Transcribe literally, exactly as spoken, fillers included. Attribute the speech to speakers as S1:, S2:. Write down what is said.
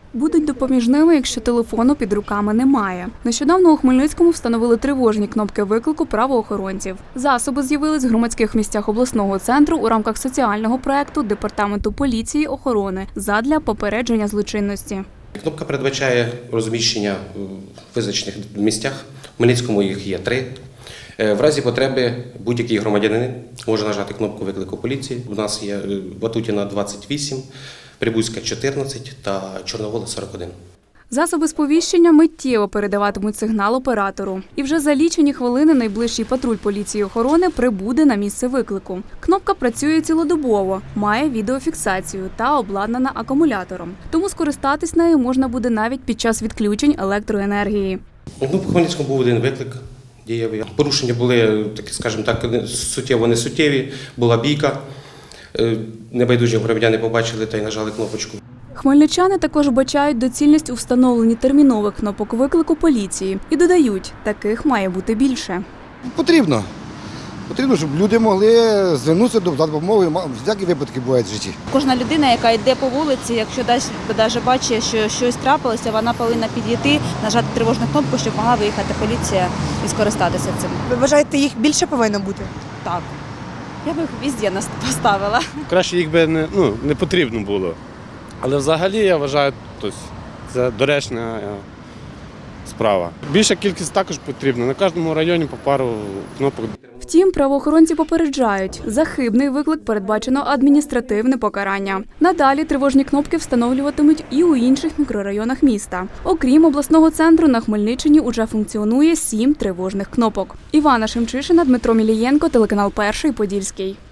S1: Будуть допоміжними, якщо телефону під руками немає. Нещодавно у Хмельницькому встановили тривожні кнопки виклику правоохоронців. Засоби з'явились в громадських місцях обласного центру у рамках соціального проєкту Департаменту поліції охорони задля попередження злочинності.
S2: Кнопка передбачає розміщення в визначених місцях. В Хмельницькому їх є три. В разі потреби будь-який громадянин може нажати кнопку виклику поліції. У нас є Ватутіна двадцять вісім, Прибузька чотирнадцять та Чорновола сорок один.
S1: Засоби сповіщення миттєво передаватимуть сигнал оператору. І вже за лічені хвилини найближчий патруль поліції охорони прибуде на місце виклику. Кнопка працює цілодобово, має відеофіксацію та обладнана акумулятором. Тому скористатись нею можна буде навіть під час відключень електроенергії.
S2: Ну, по Хмельницькому був один виклик дієвий. Порушення були, такі, скажімо так, суттєво-не суттєві, була бійка. Небайдужі громадяни побачили та й нажали кнопочку.
S1: Хмельничани також бачають доцільність у встановленні термінових кнопок виклику поліції і додають, таких має бути більше.
S3: Потрібно. Потрібно, щоб люди могли звернутися до допомоги, всякі випадки бувають в житті.
S4: Кожна людина, яка йде по вулиці, якщо навіть бачить, що щось трапилося, вона повинна підійти, нажати тривожну кнопку, щоб могла виїхати поліція і скористатися цим.
S5: Ви вважаєте, їх більше повинно бути?
S4: Так. Я б їх везде поставила.
S6: Краще їх би не, ну, не потрібно було. Але взагалі, я вважаю, тобто, це доречна справа. Більша кількість також потрібна. На кожному районі по пару кнопок.
S1: Втім, правоохоронці попереджають, за хибний виклик передбачено адміністративне покарання. Надалі тривожні кнопки встановлюватимуть і у інших мікрорайонах міста. Окрім обласного центру, на Хмельниччині уже функціонує сім тривожних кнопок. Івана Шемчишина, Дмитро Мілієнко, телеканал Перший Подільський.